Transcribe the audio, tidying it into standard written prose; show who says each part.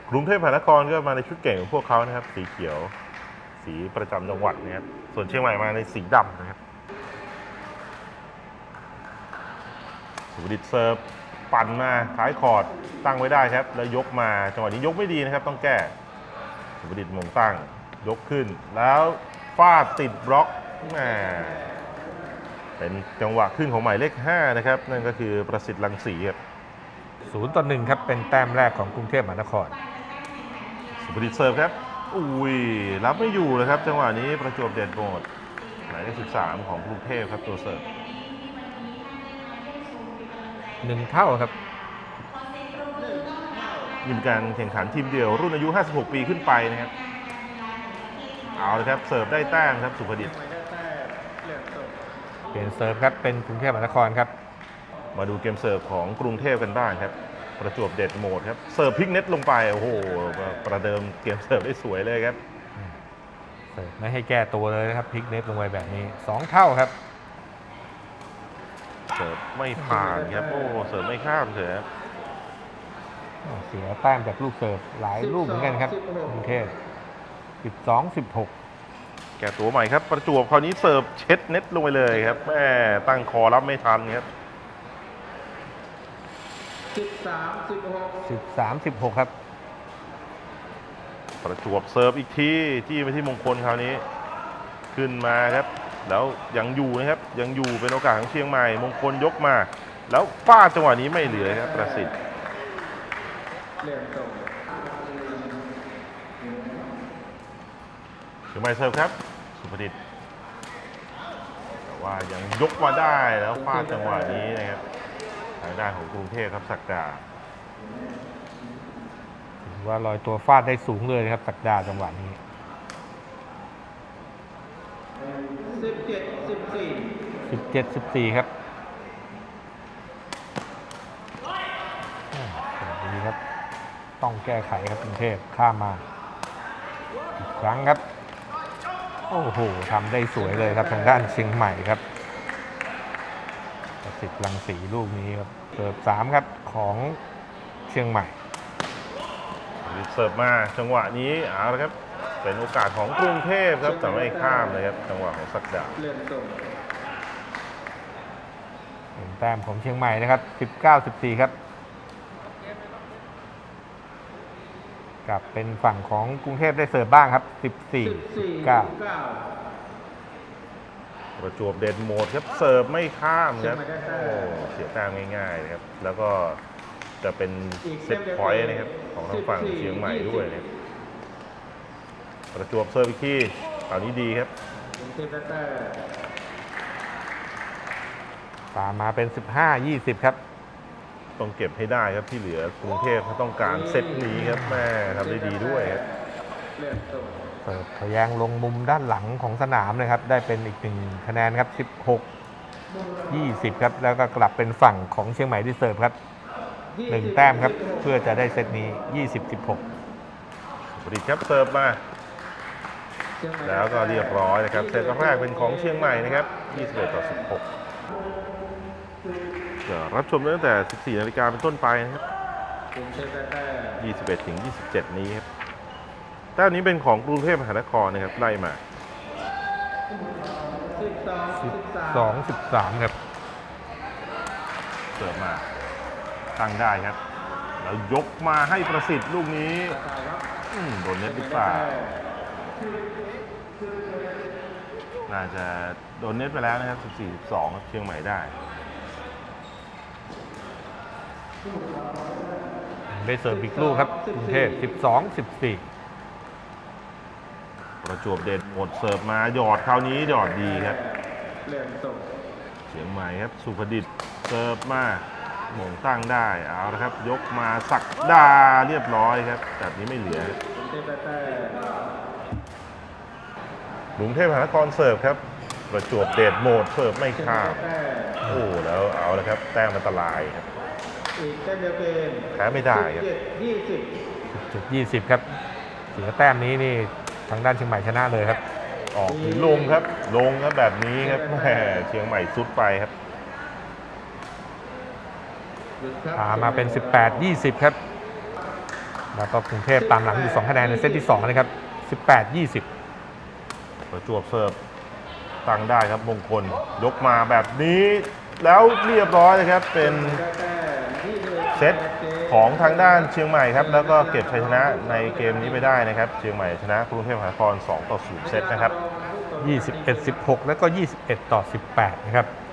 Speaker 1: กรุงเทพมหานครก็มาในชุดเก่งของพวกเขานะครับสีเขียวสีประจำจังหวัดนะครับส่วนเชียงใหม่มาในสีดำนะครับสุภดิษฐ์เซิร์ฟปั่นมาท้ายคอร์ดตั้งไว้ได้ครับแล้วยกมาจังหวะนี้ยกไม่ดีนะครับต้องแก้สุภดิษฐ์มงตั้งยกขึ้นแล้วฟาดติดบล็อกแหมเป็นจังหวะขึ้นของหมายเลข5นะครับนั่นก็คือประสิทธิ์รังสีครับ
Speaker 2: 0-1ครับเป็นแต้มแรกของกรุงเทพมหานคร
Speaker 1: สุภดิษฐ์เซิร์ฟครับอุ้ยรับไม่อยู่เลยครับจังหวะนี้ประจวบเดชโหมดหมายเลข13ของกรุงเทพครับตัวเซิร์ฟ
Speaker 2: 1 เท่าครับ
Speaker 1: นี่เป็นการแข่งขันทีมเดียวรุ่นอายุ56ปีขึ้นไปนะครับเอาเลยครับเสิร์ฟได้แต้มครับสุภดิษฐ์
Speaker 2: เปลี่ยนเซิร์ฟครับเป็นกรุงเทพมหานครครับ
Speaker 1: มาดูเกมเสิร์ฟของกรุงเทพกันบ้างครับประจวบเดชโหมดครับเสิร์ฟพลิกเน็ตลงไปโอ้โหประเดิมเกมเสิร์ฟได้สวยเลยครับ
Speaker 2: เสิร์ฟไม่ให้แก้ตัวเลยนะครับพลิกเน็ตลงไปแบบนี้2 เท่าครับ
Speaker 1: เสิร์ฟไม่ผ่านครับโอ้เสิร์ฟไม่ข้ามเถอะ
Speaker 2: เสียแต้มจากลูกเสิร์ฟหลายลูกเหมือนกันครับกรุงเทพ12-16
Speaker 1: แก้ตัวใหม่ครับประจวบคราวนี้เสิร์ฟเช็ดเน็ตลงไปเลยครับแม่ตั้งคอรับไม่ทันครับ
Speaker 2: 13-16ครับ
Speaker 1: ประจวบเสิร์ฟอีกทีจี้ไปที่มงคลคราวนี้ขึ้นมาครับแล้วยังอยู่นะครับยังอยู่เป็นโอกาสของเชียงใหม่มงคลยกมาแล้วฟาดจังหวะนี้ไม่เหลือครับประสิทธิ์เชียงใหม่เสิร์ฟครับสุภดิษฐ์แต่ว่ายังยกมาได้แล้วฟาดจังหวะนี้นะครับทางด้านของกรุงเทพครับศักดา
Speaker 2: ถือว่าลอยตัวฟาดได้สูงเลยครับศักดาจังหวะนี้17-14ครับดีครับต้องแก้ไขครับกรุงเทพข้ามมาอีกครั้งครับโอ้โหทำได้สวยเลยครับทางด้านเชียงใหม่ครับประสิทธิ์รังสีลูกนี้ครับเสิร์ฟ3ครับของเชียงใหม่
Speaker 1: เสิร์ฟมาจังหวะนี้เอาละครับเป็นโอกาสของกรุงเทพครับแต่ไม่ข้ามเลยครับจังหวะของศักดา
Speaker 2: เป็นแต้มของเชียงใหม่นะครับ19-14ครับกลับเป็นฝั่งของกรุงเทพได้เสิร์ฟบ้างครับ14-19
Speaker 1: ประจวบเดชโหมดครับเสิร์ฟไม่ข้ามครับโอ้เสียแต้มง่ายๆนะครับแล้วก็จะเป็นเซตพอยต์นะครับของทางฝั่งเชียงใหม่ด้วยนะครับประจวบเสิร์ฟอีกทีคราวนี้ดีครับ
Speaker 2: ตามมาเป็น15-20ครับ
Speaker 1: ต้องเก็บให้ได้ครับที่เหลือกรุงเทพเขาต้องการเซตนี้ครับแม่ทำได้ดีด้วยครับ
Speaker 2: เสิร์ฟทะแยงลงมุมด้านหลังของสนามเลยครับได้เป็นอีก1 คะแนนครับ16-20ครับแล้วก็กลับเป็นฝั่งของเชียงใหม่ที่เสิร์ฟครับ1 แต้มครับเพื่อจะได้เซตนี้20-16
Speaker 1: ผลิตครับเสิร์ฟมาแล้วก็เรียบร้อยนะครับเซตแรกเป็นของเชียงใหม่นะครับ21-16จะรับชมตั้งแต่ 14 นาฬิกาเป็นต้นไปนะครับ21-27 นี้ครับแต้มนี้เป็นของกรุงเทพมหานครนะครับไล่มา
Speaker 2: 12-13ครับ
Speaker 1: เสิร์ฟมาตั้งได้ครับแล้วยกมาให้ประสิทธิ์ลูกนี้โดนเน็ตหรือเปล่าน่าจะโดนเน็ตไปแล้วนะครับ14-12ครับเชียงใหม่ได้
Speaker 2: ได้เสิร์ฟอีกลูกครับกรุงเทพ12-14
Speaker 1: ประจวบเดชโหมดเสิร์ฟมาหยอดคราวนี้หยอดดีครับเชียงใหม่ครับสุภดิษฐ์เสิร์ฟมาหม่งตั้งได้เอาละครับยกมาศักดาเรียบร้อยครับแบบนี้ไม่เหลือกรุงเทพมหานครเสิร์ฟครับประจวบเดชโหมดเสิร์ฟไม่ข้ามโอ้แล้วเอาละครับแต้มอันตรายครับแพ้ไม่ได้ครับ
Speaker 2: 20ครับเสียแต้มนี้นี่ทางด้านเชียงใหม่ชนะเลยครับ
Speaker 1: ออกหรือลงครับแบบนี้ครับแหมเชียงใหม่ซุดไปครับ
Speaker 2: พามาเป็น18-20ครับแล้วก็กรุงเทพตามหลังอยู่2คะแนนในเซตที่2นะครับ18-20
Speaker 1: ประจวบเสิร์ฟตั้งได้ครับมงคลยกมาแบบนี้แล้วเรียบร้อยเลยครับเป็นเซตของทางด้านเชียงใหม่ครับแล้วก็เก็บชัยชนะในเกมนี้ไปได้นะครับเชียงใหม่ชนะกรุงเทพมหานคร2-0เซตนะครับ
Speaker 2: 21-16แล้วก็21-18นะครับ